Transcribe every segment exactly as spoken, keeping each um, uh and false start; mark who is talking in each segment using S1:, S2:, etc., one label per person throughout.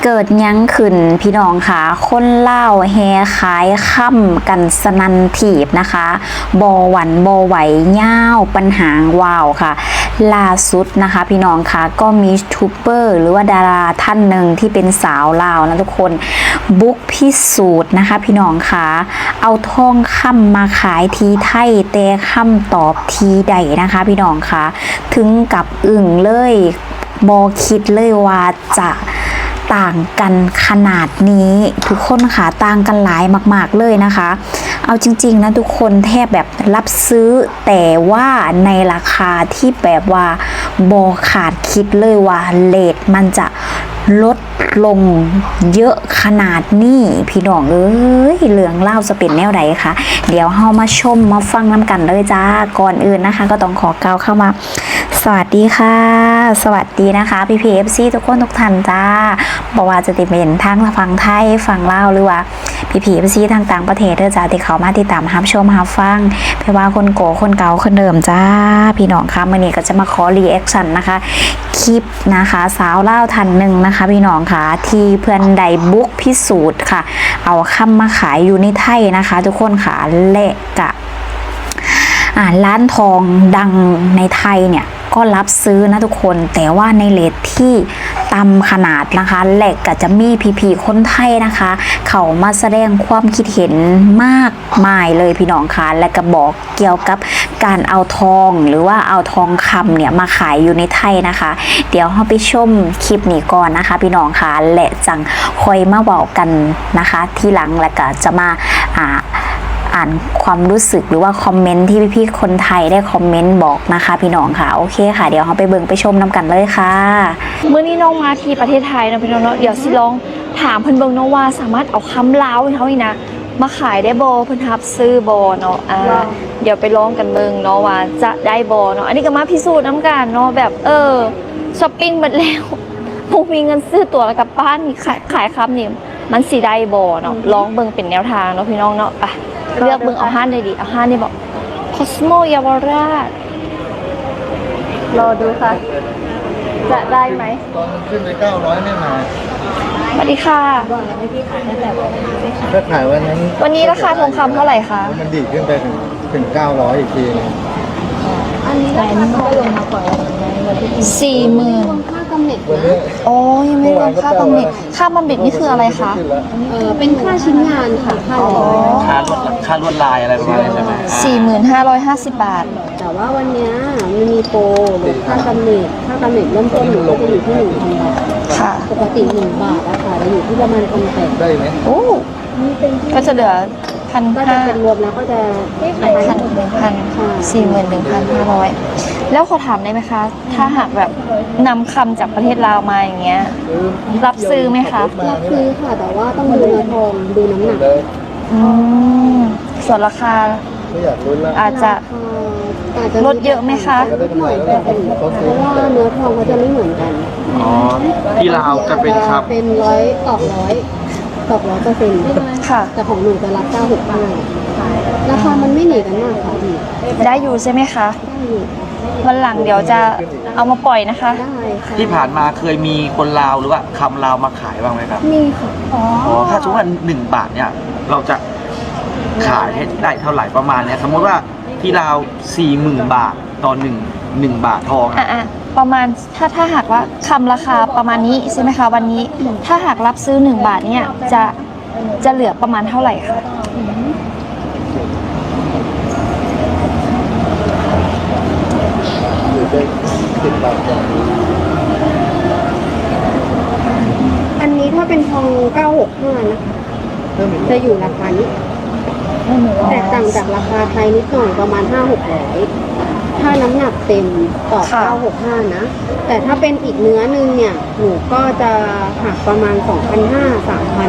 S1: เกิดยังขึ้นพี่น้องค่ะคนเล่าแฮขายค่ำกันสนันถีบนะคะบอหวันบอไหวย่าวปัญหาวาวค่ะล่าสุดนะคะพี่น้องค่ะก็มียูทูบเบอร์หรือว่าดาราท่านหนึ่งที่เป็นสาวลาวนะทุกคนบุกพิสูจน์นะคะพี่น้องค่ะเอาทองคำมาขายทีไทยแต่คำตอบทีใดนะคะพี่น้องค่ะถึงกับอึ่งเลยบอคิดเลยว่าจะต่างกันขนาดนี้ทุกคนค่ะต่างกันหลายมากๆเลยนะคะเอาจริงๆนะทุกคนแทบแบบรับซื้อแต่ว่าในราคาที่แบบว่าบอขาดคิดเลยว่าเรทมันจะลดลงเยอะขนาดนี้พี่น้องเอ้ยเหลืองเล่าจะเป็นแนวไหนคะเดี๋ยวเฮามาชมมาฟังน้ำกันเลยจ้าก่อนอื่นนะคะก็ต้องขอกล่าวเข้ามาสวัสดีค่ะสวัสดีนะคะพี่พีเอฟซีทุกคนทุกท่านจ้าบอกว่าจะติดเป็นทั้งฟังไทยฟังเล่าหรือว่าพี่พีเอฟซีทางต่างประเทศเด้อจ้าที่เขามาติดตามรับชมรับฟังเพราะว่าคนโกคนเก่าคนเดิมจ้าพี่น้องคะมื่อนี้ก็จะมาขอรีแอคชั่นนะคะคลิปนะคะสาวเล่าทันหนึ่งนะคะพี่น้องค่ะที่เพื่อนใดบุกพิสูจน์ค่ะเอาคำมาขายอยู่ในไทยนะคะทุกคนค่ะเละกะอ่าร้านทองดังในไทยเนี่ยก็รับซื้อนะทุกคนแต่ว่าในเรทที่ต่ำขนาดนะคะแหลกก็จะมีพี่ๆคนไทยนะคะเขามาแสดงความคิดเห็นมากมายเลยพี่น้องคะและก็บอกเกี่ยวกับการเอาทองหรือว่าเอาทองคำเนี่ยมาขายอยู่ในไทยนะคะเดี๋ยวเราไปชมคลิปนี้ก่อนนะคะพี่น้องคะและจังคอยมาบอกกันนะคะที่หลังแล้วก็จะมาอ่าอ่านความรู้สึกหรือว่าคอมเมนต์ที่พี่ๆคนไทยได้คอมเมนต์บอกนะคะพี่น้องค่ะโอเคค่ะเดี๋ยวเราไปเบิ่งไปชมน้ำกันเลยค่ะ
S2: เมื่อนี้น้องมาที่ประเทศไทยนะพี่น้องเนาะเดี๋ยวสิลองถามเพิ่นเบิ่งเนาะว่าสามารถเอาคำลาวเขาอีกนะมาขายได้บ่เพิ่นรับซื้อบ่เนาะอ่าเดี๋ยวไปลองกันเบิ่งเนาะว่าจะได้บ่เนาะอันนี้ก็มาพิสูจน์น้ำกันเนาะแบบเออช้อปปิ้งหมดแล้วบ่มีเงินซื้อตั๋วแล้วกลับบ้านนี่ขายขายคำนี่มันสิได้บ่เนาะลองเบิ่งเป็นแนวทางเนาะพี่น้องเนาะไปเลือกเบิ่งเอาห้านได้ดีเอาห้านนี่บอกคอสโมเยาวราชรอดูค่ะจะได้ไหม
S3: ตอนขึ้นไปเก้าร้อยไม่มา
S2: สวัสดีค่ะ
S3: ถ้าขายวันนั้น
S2: วันนี้ราคาทองคำเท่าไหร่คะ
S3: มันดีขึ้นไปถึงถึงเก้าร้อยอีกทีนึง
S2: อันนี้ราคาก็ลงมาก่อนสี่หมื่น
S4: ค่ากำเนิดนะ
S2: โอ้ยังไม่รวมค่าบำเหน็จค่าบำเหน็จนี่คืออะไรคะ
S4: เออเป็นค่าชิ้นงานค่ะค่า
S5: ค่าลวดค่าลวดลายอะไรประมาณนี้ใช่ไหม
S2: สี่หมื่นห้าร้อยห้าสิบบาท
S4: แต่ว่าวันนี้มันมีโปรลดค่ากำเนิดค่ากำเนิดเริ่มต้นหนูก็จะอยู่ที่หนึ่งพันบาท
S2: ค่ะ
S4: ปกติหนึ่งบาทอะค่ะจะอยู่ที่ประมาณพันแปด
S3: ได้ไหม
S2: โอ้ก็จะเหลือพัน
S4: ก็จะ
S2: ห้า
S4: เป็นรวมแล้วก็จะ
S2: พันหนึ่งพันสี่หมื่นหนึ่งพันห้าร้อยแล้วขอถามได้ไหมคะถ้าหากแบบนำคำจากประเทศลาวมาอย่างเงี้ยรับซื้อไหมคะ
S4: รับซื้อค่ะแต่ว่าต้องดูเนื้อทองดูน้ำหนัก
S2: อืมส่วนราคาอาจจะลดเยอะไหมคะ
S4: หน่อยแต่เพราะว่าเนื้อทองเขาจะไม่เหมือนกัน
S5: อ๋อที่ลาวจะเป็นครับ
S4: เป็นร้อยตอกร้อยตอกร้อยเปอร์เซ็นต์
S2: ค่ะ
S4: แต่ของหนูจะรับเก้าหกห้าราคามันไม่หนีกันมากค่ะพี่
S2: ได้อยู่ใช่ไหมคะ
S4: ได้อยู่
S2: วันหลังเดี๋ยวจะเอามาปล่อยนะคะ
S4: ได้ค่ะ
S5: ที่ผ่านมาเคยมีคนลาวหรือว่าคำลาวมาขายบ้างไหมครับ
S4: มีค่ะ
S2: อ๋อ
S5: ถ้าสมมติว่าหนึ่งบาทเนี่ยเราจะขายให้ได้เท่าไหร่ประมาณเนี้ยสมมติว่าที่ลาวสี่หมื่นบาทต่อหนึ่งหนึ่งบาททอง
S2: อ่ะประมาณถ้าถ้าหากว่าคำราคาประมาณนี้ใช่ไหมคะวันนี้ถ้าหากรับซื้อหนึ่งบาทเนี่ยจะจะเหลือประมาณเท่าไหร่คะ
S4: อันนี้ถ้าเป็นทองเก้าหกห้านะคะจะอยู่ราคานี้แต่ต่างจากราคาไทยนิดหน่อยประมาณห้าหกร้อยถ้าน้ำหนักเต็มต่อเก้าหกห้านะแต่ถ้าเป็นอีกเนื้อนึงเนี่ยหนูก็จะหักประมาณสองพันห้าสามพัน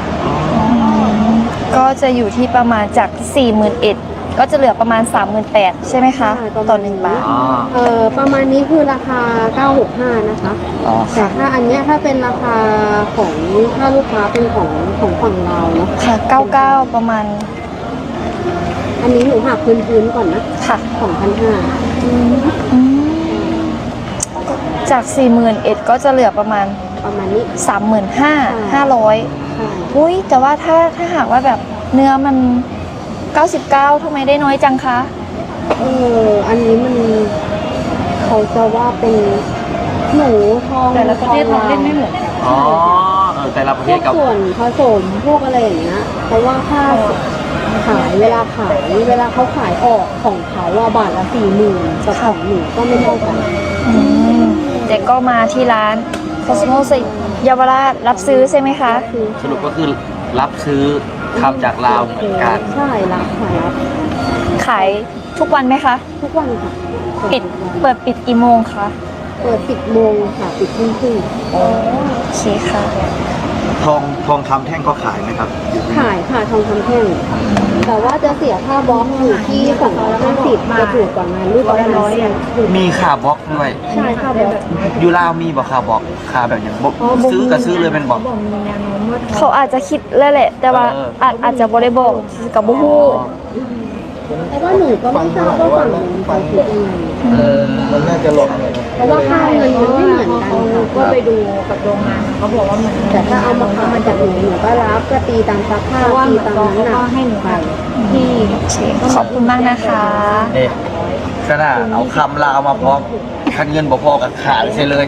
S2: ก็จะอยู่ที่ประมาณจากสี่หมื่นเอ็ดก็จะเหลือประมาณสามหมื่นแปดใช่ไหมคะต่อหนึ่งบาท
S4: เออประมาณนี้คือราคาเก้าหกห้านะคะแต่ถ้าอันเนี้ยถ้าเป็นราคาของถ้าลูกค้าเป็นของของฝั่งเราเนาะ
S2: ค่ะเก้าเก้าประมาณ
S4: อันนี้หนูหักพื้นๆก่อนนะ
S2: ค่ะ
S4: สองพันห้า
S2: จากสี่หมื่นเอ็ดก็จะเหลือประมาณ
S4: ประมาณนี้
S2: สามหมื่นห้าห้าร้อย
S4: ใช่
S2: อุ้ยแต่ว่าถ้าถ้าหากว่าแบบเนื้อมันเก้าสิบเก้าทำไมได้น้อยจังคะ
S4: เอออันนี้มันเขาจะว่าเป็นหนูทอง
S2: แต่ละประเทศเราเล่นไม่เหมือน
S5: อ๋อเออแต่ละประ
S4: พ
S5: เท
S4: ว
S5: ศ
S4: ก
S5: กับ
S4: ส่วนผสมพวกอะไรอย่างเงี้ยเพราะว่าค่าขายเวลาขายเวลาเขาขายออกของเขาว่าบาทละสี่หมื่นกับของหนูก็ไม่เท่ากัน
S2: อืมแต่ก็มาที่ร้าน Cosmos เยาวราชรับซื้อใช่ไหมคะ
S4: คือ
S5: สรุปก็คือรับซื้อทำจากลาวเหมือนกัน
S4: ใช่รับค่ะรับ
S2: ขายทุกวันไหมคะ
S4: ทุกวันค่ะ
S2: ปิดเปิดปิดกี่โมงคะ
S4: เปิดสิบโมงค่ะปิดทุ่มครึ่ง
S2: โอเคค่ะ
S5: ทองทองคำแท่งก็ขายไหมครับอยู่ที่
S4: ขายค่ะทองคำแท่งแต่ว่าจะเสียค่าบล็อกอยู่ที่สองร้อยห้าสิบจะถูกกว่างานรูปประมาณสี่สิบ
S5: มีคาร์บล็อกด้วย
S4: ใช่ค่าบล็อก
S5: อยู่ลาวมีบอกคาร์บล็อกคาแบบอย่างบอก
S4: อ๋อบ่มี
S5: ซื้อก็ซื้อเลยเป็นบอก
S2: เขาอาจจะคิดแล้วแหละ แต่ว่า
S5: เออ
S2: อาจอาจจะบ่ได้บอกกับบุฮู้
S4: แต่ว่าหนูก็ไม่ทราบว่าฝั่งนู้นเขาคิดยังไง
S5: เออ
S3: มันน่าจะหลบเลยนะ
S4: เพราะว่าค่าเงินมันไม่เหมือนกันค่ะ
S6: ก็ไปดูกับโรงงานเขาบอกว่ามัน
S4: แต่ถ้าเอามาขายจากหนูหนูก็รับก็ตีตามราคา
S6: เพราะว่า
S4: ตี
S6: เหมือน
S4: ตาม
S6: กอง
S4: น้ำห
S6: เขา
S4: นั
S6: ก็
S4: ก
S6: ให้หนู
S4: ไป
S6: ที่
S2: โอเคขอบคุณมากนะคะ
S5: นี่ขนาดเอาคำลาวมาพร้อมคันเงินบ่พอกับขาดใช่เลย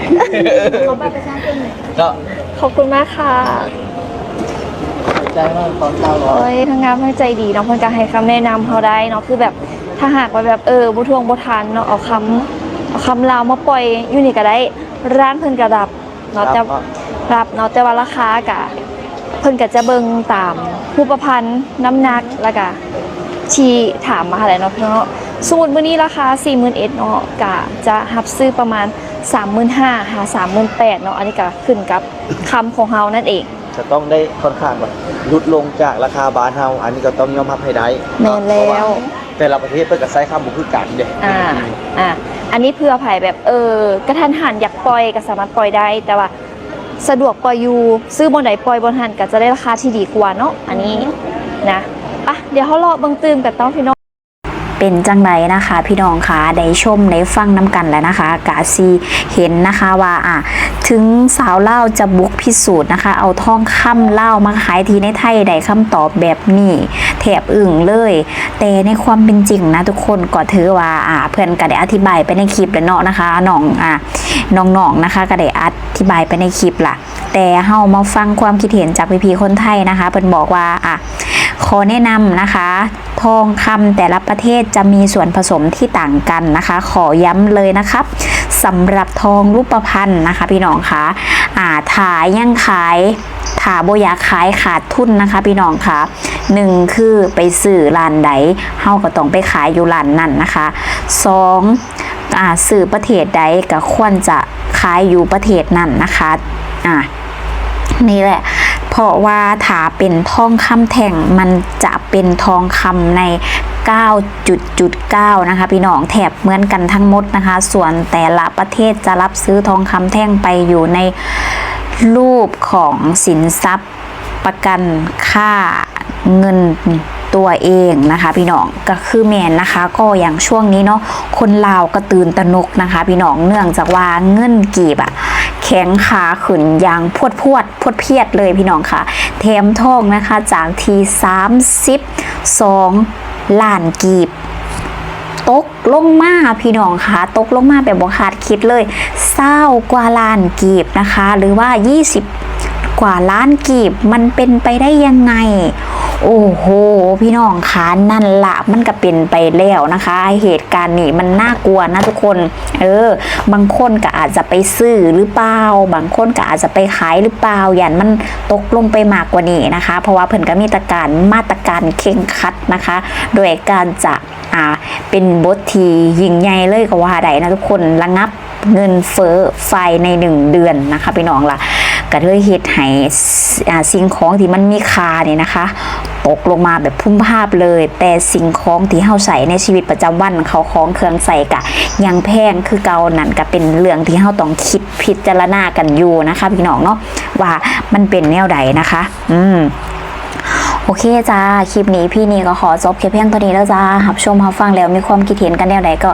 S5: ก็
S2: ขอบคุณมากค่ะ
S3: ใจมากตอนเก้าร้อย
S2: โอ้ยทางงานทั้งใจดีเนาะเพิ่นก็ให้คำแนะนำเขาได้เนาะคือแบบถ้าหากว่าแบบเออบ่ทวงบ่ทันเนาะเอาคำเอาคำลาวมาปล่อยอยู่นี่ก็ได้ร้านเพิ่นก็รับเนาะแต่รับเนาะแต่ว่าราคากะเพิ่นก็จะเบิ่งตามรูปพรรณน้ำหนักแล้วก็ที่ถามมาเท่าไหร่เนาะพี่น้องเนาะสมมุติมื้อนี้ราคา สี่หมื่นเอ็ดพัน เนาะก็จะรับซื้อประมาณ สามหมื่นห้าพัน หา สามหมื่นแปดพัน เนาะอันนี้ก็ขึ้นกับคำของเฮานั่นเอง
S5: จะต้องได้ค่อนข้างแบบลดลงจากราคาบาทเฮาอันนี้ก็ต้องยอมรับให้ได้
S2: แม่นแล้ว
S5: เพราะาแต่ละประเทศเพิ่นก็ใช้คำบ่คือกันเด้
S2: อ่า อ่า อันนี้เพื่อภัยแบบเออกระทันหันอยากปล่อยก็สามารถปล่อยได้ แต่ว่าสะดวกปล่อยอยู่ซื้อบนไหนปล่อยบนหันก็จะได้ราคาที่ดีกว่าเนาะ อันนี้นะปะเดี๋ยวเขารอเบิ่งตื่มกันต้องพี่น้อง
S1: เป็นจังไรนะคะพี่น้องคะได้ชมได้ฟังน้ำกันแล้วนะคะกาซีเห็นนะคะว่าอ่ะถึงสาวเล่าวจะบุกพิสูจน์นะคะเอาทองคำเล่าวมาขายทีในไทยได้คำตอบแบบนี้แถบอึ่งเลย แต่ในความเป็นจริงนะทุกคนก็ถือว่าอ่าเพื่อนก็ได้อธิบายไปในคลิปแล้วเนาะนะคะน้องอ่ะน้องๆนะคะก็ได้อธิบายไปในคลิปล่ะแต่เฮามาฟังความคิดเห็นจากพี่ๆคนไทยนะคะเพิ่นบอกว่าอ่ะขอแนะนำนะคะทองคำแต่ละประเทศจะมีส่วนผสมที่ต่างกันนะคะ ขอย้ำเลยนะครับสำหรับทองรูปพรรณนะคะพี่น้องคะอ่าถ่ายยังขายถ่าโบอยากขายขาดทุนนะคะพี่น้องคะหนึ่งคือไปซื้อร้านใดเฮาก็ต้องไปขายอยู่ร้านนั่นนะคะสองอ่าซื้อประเทศใดก็ควรจะขายอยู่ประเทศนั่นนะคะอ่านี่แหละเพราะว่าถ้าเป็นทองคำแท่งมันจะเป็นทองคำใน เก้าจุดเก้า นะคะพี่น้องแถบเหมือนกันทั้งหมดนะคะ ส่วนแต่ละประเทศจะรับซื้อทองคำแท่งไปอยู่ในรูปของสินทรัพย์ประกันค่าเงินตัวเองนะคะพี่น้องก็คือแมนนะคะก็อย่างช่วงนี้เนาะคนลาวก็ตื่นตระหนกนะคะพี่น้องเนื่องจากว่าเงินกีบอะแข็งขาขึ้นอย่างพวดพวดพวดเพียดเลยพี่น้องค่ะแถมทองนะคะจากทีสามสิบสองล้านกีบตกลงมาพี่น้องค่ะตกลงมาแบบบ่คาดคิดเลยเศร้ากว่าล้านกีบนะคะหรือว่ายี่สิบกว่าล้านกีบมันเป็นไปได้ยังไงโอ้โหพี่น้องคะนั่นละมันก็เป็นไปแล้วนะคะเหตุการณ์นี้มันน่ากลัวนะทุกคนเออบางคนก็อาจจะไปซื้อหรือเปล่าบางคนก็อาจจะไปขายหรือเปล่าอย่างมันตกลงไปมากกว่านี้นะคะเพราะว่าเพิ่นก็มีตรการมาตรการเข่งครัดนะคะโดยการจะอ่าเป็นบทที่ยิ่งใหญ่เลยก็ว่าได้นะทุกคนระงับเงินเฟ้อไฟในหนึ่งเดือนนะคะพี่น้องล่ะก็เลยเฮ็ดให้สิ่งของที่มันมีค่าเนี่ยนะคะตกลงมาแบบพุ่มภาพเลยแต่สิ่งของที่เฮาใส่ในชีวิตประจำวันเขาของเครื่องใส่กะยังแพงคือเก่านั่นก็เป็นเรื่องที่เฮาต้องคิดพิจารณากันอยู่นะคะพี่น้องเนาะว่ามันเป็นแนวใดนะคะอืมโอเคจ้าคลิปนี้พี่นี่ก็ขอจบแค่เพียงเท่านี้แล้วจ้ารับชมรับฟังแล้วมีความคิดเห็นกันแนวใดก็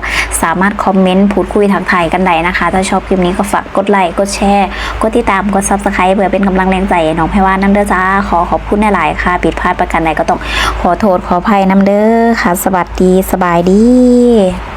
S1: สามารถคอมเมนต์พูดคุยทักทายกันได้นะคะ ถ้าชอบคลิปนี้ก็ฝากกดไลค์กดแชร์กดติดตามกด ซับสไครบ์ เพื่อเป็นกำลังแรงใจให้น้องแพรว่าน้ำเด้อจ้าขอขอบคุณหลายๆค่ะผิดพลาดประการใดก็ต้องขอโทษขออภัยน้ำเด้อค่ะ สวัสดีสบายดี